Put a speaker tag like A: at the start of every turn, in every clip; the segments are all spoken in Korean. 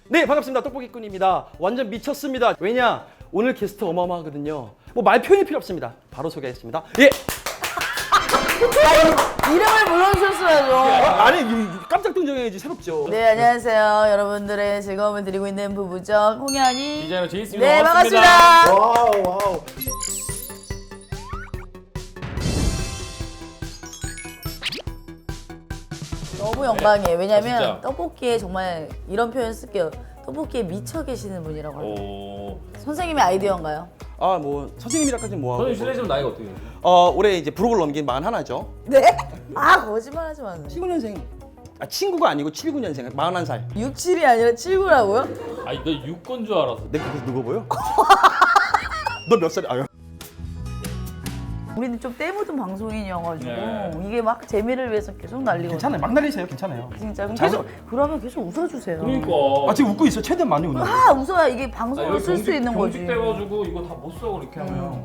A: 네, 반갑습니다. 떡볶이꾼입니다. 완전 미쳤습니다. 왜냐? 오늘 게스트 어마어마하거든요. 뭐 말 표현이 필요 없습니다. 바로 소개하겠습니다. 예.
B: 이름을 불러주셨어야죠.
A: 아니, 깜짝 등장해야지 새롭죠.
B: 네, 안녕하세요. 여러분들의 즐거움을 드리고 있는 부부적 홍현이
C: 디자이너 제이스입니다.
B: 네, 반갑습니다.
A: 와우, 와우.
B: 너무 영광이에요. 왜냐면
C: 진짜.
B: 떡볶이에 정말 이런 표현 쓸게요. 떡볶이에 미쳐 계시는 분이라고 해요.
C: 오.
B: 선생님의 아이디어인가요?
A: 아, 뭐 선생님이라까지는 뭐 하고.
C: 선생님 실례지만 나이가 어떻게 되세요?
A: 올해 이제 부록을 넘긴 41죠.
B: 네? 아, 거짓말하지 마세요.
A: 79년생. 아, 친구가 아니고 79년생. 41살.
B: 67이 아니라 79라고요?
C: 아니 너 6건 줄 알았어.
A: 내가 그래서 누구 보여? 너 몇 살이야? 아유.
B: 우리는 좀 때묻은 방송인이어가지고
C: 네.
B: 이게 막 재미를 위해서 계속 날리고
A: 괜찮아요. 막 날리세요. 괜찮아요.
B: 진짜 그럼
A: 잘
B: 계속 그러면 계속 웃어주세요.
C: 그러니까.
A: 아, 지금 웃고 있어. 최대한 많이 웃는 거.
B: 아, 웃어야 이게 방송으로 쓸 수 있는 거지.
C: 경직 돼가지고 이거 다 못 써 그렇게 하면.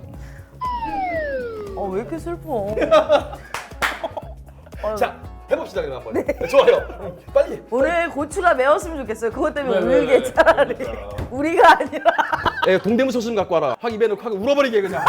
B: 왜 이렇게 슬퍼?
A: 자, 해봅시다 그럼 한번. 네. 좋아요. 빨리.
B: 오늘 고추가 매웠으면 좋겠어요. 그것 때문에
C: 왜,
B: 울게
C: 왜?
B: 차라리.
C: 그러니까.
B: 우리가 아니라.
A: 예, 동대문 소스 좀 갖고 와라. 확 입에 넣고 하고 울어버리게 그냥.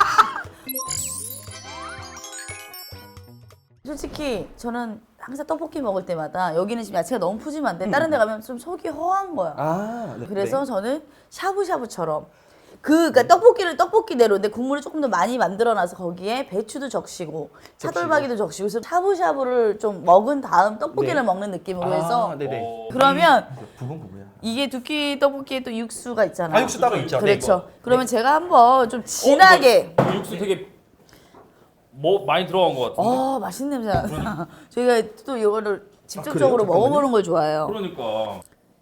B: 솔직히 저는 항상 떡볶이 먹을 때마다 여기는 지금 야채가 너무 푸짐한데 다른 데 가면 좀 속이 허한 거야.
A: 아, 네.
B: 그래서 저는 샤브샤브처럼 그러니까 떡볶이를 떡볶이대로인데 국물을 조금 더 많이 만들어놔서 거기에 배추도 적시고 차돌박이도 적시고 그래서 샤브샤브를 좀 먹은 다음 떡볶이를
A: 네.
B: 먹는 느낌으로 해서
A: 네네.
C: 어,
B: 그러면
A: 부분부부야.
B: 이게 두끼 떡볶이에 또 육수가 있잖아요.
A: 아, 육수 따로 있죠.
B: 그렇죠. 그러면 제가 한번 좀 진하게
C: 이거 육수 되게 뭐 많이 들어간 것 같은데.
B: 맛있는 냄새 나. 저희가 또 이거를
A: 그래요?
B: 직접적으로
A: 잠깐만요.
B: 먹어보는 걸 좋아해요.
C: 그러니까.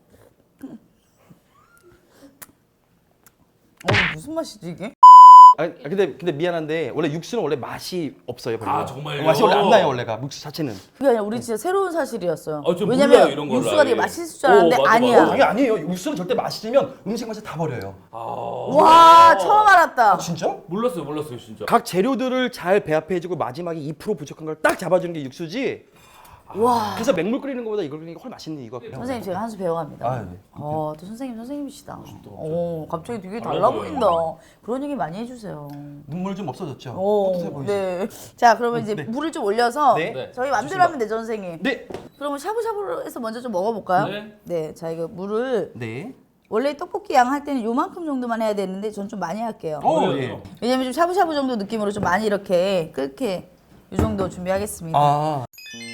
B: 무슨 맛이지 이게?
A: 아, 근데 미안한데 원래 육수는 원래 맛이 없어요. 별로.
C: 아, 정말요?
A: 맛이 원래 안 나요 원래가 육수 자체는.
B: 그게 아니라 우리 진짜 새로운 사실이었어요.
C: 저 몰라요,
B: 왜냐면
C: 이런 걸
B: 육수가 되게
C: 아예.
B: 맛있을 줄 알았는데
C: 맞아,
B: 아니야.
C: 맞아.
A: 아니 아니에요. 육수는 절대 맛있으면 음식 맛을 다 버려요.
B: 와 처음 알았다.
A: 진짜?
C: 몰랐어요 진짜.
A: 각 재료들을 잘 배합해주고 마지막에 2% 부족한 걸 딱 잡아주는 게 육수지.
B: 와
A: 그래서 맹물 끓이는 것보다 이걸 끓이는 게 훨씬 맛있네 이거.
B: 선생님 제가 한 수 배워갑니다.
A: 아, 네.
B: 또 선생님이시다. 갑자기 되게 달라 보인다. 그런 얘기 많이 해주세요.
A: 눈물 좀 없어졌죠?
B: 오,
A: 뿌듯해 보이죠?
B: 네. 자 그러면 이제
A: 네.
B: 물을 좀 올려서
A: 네.
C: 네.
B: 저희 맘대로
A: 좋습니다.
B: 하면 되죠 선생님.
A: 네.
B: 그러면 샤브샤브로 해서 먼저 좀 먹어볼까요?
C: 네.
B: 네. 자 이거 물을
A: 네.
B: 원래 떡볶이 양 할 때는 요만큼 정도만 해야 되는데 전 좀 많이 할게요.
A: 예.
B: 왜냐면 좀 샤브샤브 정도 느낌으로 좀 많이 이렇게 끓게 이 정도 준비하겠습니다.
A: 아.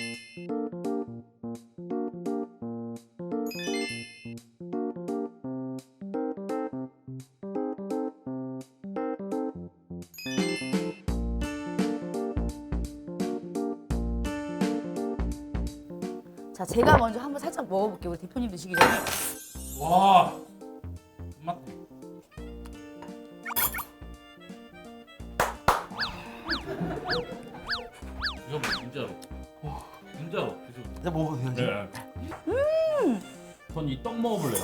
B: 자 제가 먼저 한번 살짝 먹어볼게요. 우리 대표님 드시기 전에.
C: 와. 맛. 이거 진짜로. 진짜로.
A: 이제 먹어도 되지?
C: 네. 전 이 떡 먹어볼래요.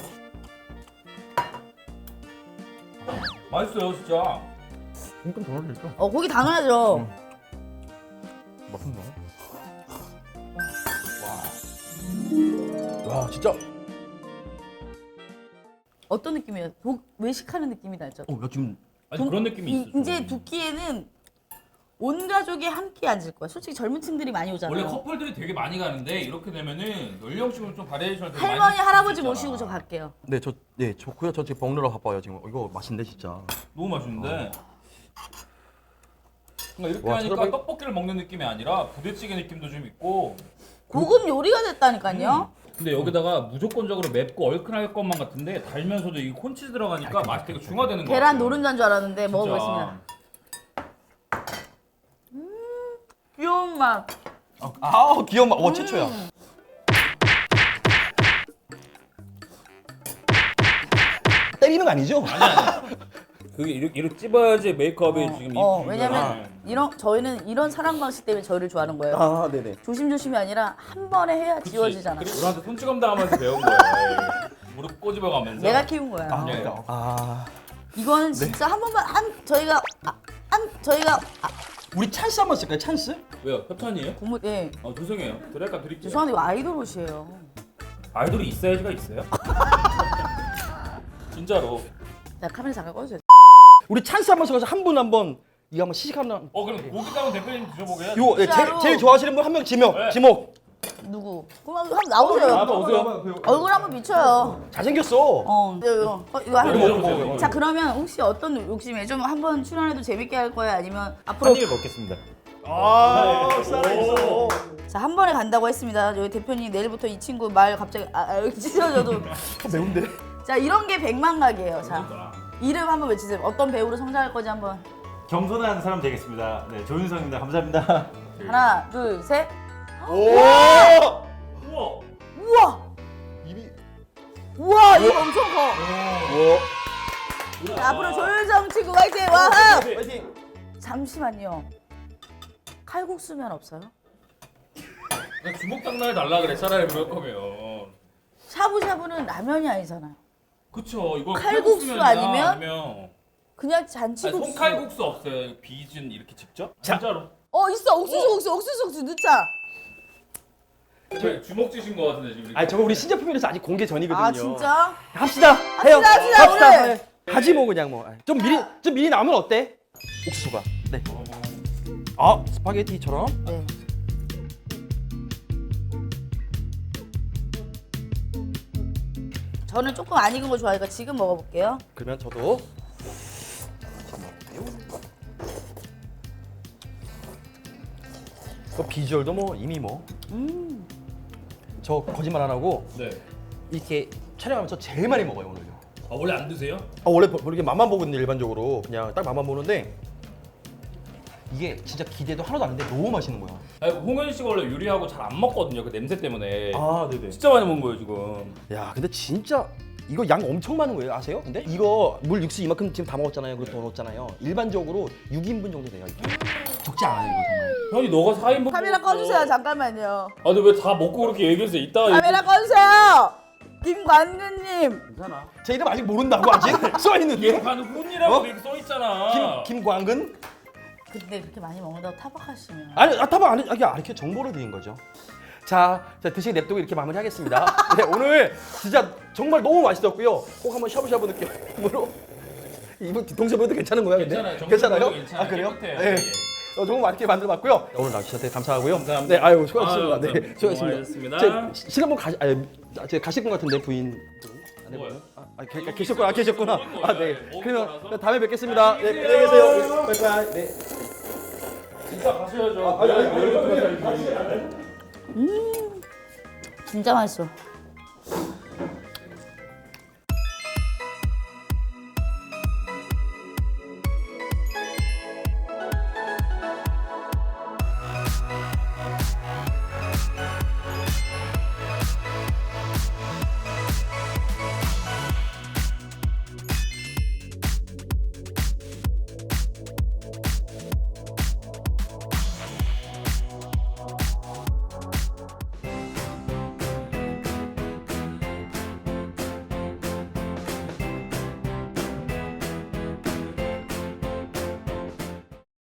C: 맛있어요 진짜.
A: 조금 더 넣을까?
B: 고기 다 넣어야죠.
A: 맛있나? 와, 진짜.
B: 어떤 느낌이에요? 외식하는 느낌이 나죠?
A: 나 지금
C: 아니 그런 느낌이 있어.
B: 이제 두 끼에는 온 가족이 함께 앉을 거야. 솔직히 젊은 층들이 많이 오잖아요.
C: 원래 커플들이 되게 많이 가는데 이렇게 되면은 연령층을 좀 바리에이션을 되게 많이
B: 할머니
C: 줄수
B: 할아버지
C: 있잖아.
B: 모시고 저 갈게요.
A: 네, 좋고요. 저 지금 먹느라 바빠요 지금. 이거 맛있는데 진짜.
C: 너무 맛있는데. 그러니까 이렇게
A: 와,
C: 하니까
A: 차라리-
C: 떡볶이를 먹는 느낌이 아니라 부대찌개 느낌도 좀 있고.
B: 고급 요리가 됐다니까요.
C: 근데 여기다가 무조건적으로 맵고 얼큰할 것만 같은데 달면서도 이 콘치즈 들어가니까 맛이 되게 중화되는 거 같아요.
B: 계란 노른자인 줄 알았는데
C: 진짜.
B: 먹어보겠습니다. 귀여운 맛.
A: 귀여운 맛. 최초야. 때리는 거 아니죠?
C: 그게 이렇게 찝어야지 메이크업이 지금
B: 왜냐면 저희는 이런 사랑 방식 때문에 저희를 좋아하는 거예요.
A: 아, 네네.
B: 조심조심이 아니라 한 번에 해야 지워지잖아.
C: 그리고 우리한테 손찌검 당하면서 배운 거야. 무릎 꼬집어가면서.
B: 내가 키운 거야.
C: 네.
B: 이거는 진짜 한 번만 저희가
A: 우리 찬스 한번 쓸까요? 찬스?
C: 왜요? 협찬이에요?
B: 국물
C: 죄송해요. 드랄까 드릴게요.
B: 죄송한데 이거 아이돌 옷이에요.
C: 아이돌이 있어야지가 있어요? 진짜로.
B: 자 카메라 잠깐 꺼주세요.
A: 우리 찬스 한번 써서 한 분 한번 이거 한번 시식 한번.
C: 그럼 고기 따면 대표님 드셔보게 해야지.
A: 요
B: 진짜로?
A: 제일 좋아하시는 분 한 명 지목.
C: 네.
A: 지목.
B: 누구? 그럼 한번 나오세요.
C: 한번 오세요.
B: 얼굴 한번 비춰요.
A: 잘생겼어.
B: 이거 하나
C: 이거
B: 먹어.
C: 먹어요.
B: 자 그러면 혹시 어떤 욕심이에요? 좀 한번 출연해도 재밌게 할 거예요? 아니면 앞으로
D: 한 입에 먹겠습니다.
A: 아, 살아있어.
B: 자 한 번에 간다고 했습니다. 여기 대표님 내일부터 이 친구 말 갑자기 여기 찢어져도
A: 매운데?
B: 자 이런 게 백만각이에요. 자 이름 한번 외치세요. 어떤 배우로 성장할 건지 한번
D: 겸손한 사람 되겠습니다. 네, 조윤성입니다. 감사합니다.
B: 하나 둘 셋.
A: 오!
C: 우와.
B: 우와
A: 입이.
B: 우와 이거 엄청 커.
A: 와.
B: 자, 앞으로 조윤성 친구 화이팅 와.
A: 파이팅.
B: 잠시만요. 칼국수면 없어요?
C: 그냥 주먹 장난해 달라 그래 차라리 그럴 거면.
B: 샤브샤브는 라면이 아니잖아요.
C: 그쵸 이거
B: 칼국수
C: 칼국수면이나
B: 아니면 그냥
C: 아니,
B: 잔치국수.
C: 손칼국수 없어요. 비준 이렇게 직접?
A: 자.
C: 진짜로.
B: 있어 옥수수 넣자.
C: 저 주먹 쥐신 거 같은데 지금.
A: 아니 저거 우리 신제품이라서 아직 공개 전이거든요.
B: 아 진짜?
A: 합시다. 해요.
B: 합시다, 오늘.
A: 하지 뭐 그냥 뭐. 좀 미리 나오면 어때? 옥수수가. 네. 아 스파게티처럼.
B: 네. 저는 조금 안 익은 거 좋아하니까 지금 먹어볼게요.
A: 그러면 저도. 그 비주얼도 뭐 이미 뭐. 저 거짓말 안 하고
C: 네.
A: 이렇게 촬영하면서 제일 많이 먹어요 오늘요.
C: 아 원래 안 드세요?
A: 원래 이렇게 맛만 보거든요 일반적으로 그냥 딱 맛만 보는데 이게 진짜 기대도 하나도 안 했는데 너무 맛있는 거야.
C: 아니 홍현 씨가 원래 요리하고 잘 안 먹거든요. 그 냄새 때문에.
A: 아 네네.
C: 진짜 많이 먹은 거예요 지금.
A: 야 근데 진짜 이거 양 엄청 많은 거예요 아세요? 근데 이거 물 육수 이만큼 지금 다 먹었잖아요. 그리고 더 넣었잖아요. 일반적으로 6인분 정도 돼요. 이게. 적지 않아요 이거 정말.
C: 현이 너가 4인분.
B: 카메라 꺼주세요. 잠깐만요.
C: 아 근데 왜 다 먹고 그렇게 얘기했어? 이따.
B: 카메라 꺼주세요. 김관근님.
C: 괜찮아.
A: 제 이름 아직 모른다고 아직 써 있는데.
C: 얘는 혼이라고
A: 어?
C: 이렇게 써 있잖아.
A: 김광근?
B: 근데 그렇게 많이 먹는다고 타박하시면.
A: 아니 타박 안 해. 이렇게 정보를 드린 거죠. 자 드시게 냅두고 이렇게 마무리하겠습니다. 네, 오늘 진짜 정말 너무 맛있었고요. 꼭 한번 샤브샤브 느낌으로 이분 뒤통수보다 괜찮은 거야? 근데?
C: 괜찮아요.
A: 괜찮아요?
C: 정신적으로 괜찮아요.
A: 아 그래요?
C: 깨끗해요.
A: 네.
C: 예.
A: 정말 맛있게 만들어봤고요. 오늘 나와주셔서 감사하고요.
C: 감사합니다.
A: 네, 아유 수고하셨습니다.
C: 아유,
A: 네,
C: 감사합니다.
A: 수고하셨습니다.
C: 고맙습니다.
A: 실한번 가실 것 같은데 부인.
C: 뭐요?
A: 계셨구나.
C: 먹을
A: 아 네.
C: 거예요.
A: 그러면
C: 먹을 거라서.
A: 다음에 뵙겠습니다. 네,
C: 안녕히
A: 안녕히
C: 계세요.
A: 계세요. 바이바이. 네.
C: 진짜 가셔야죠.
A: 아니,
B: 진짜 맛있어.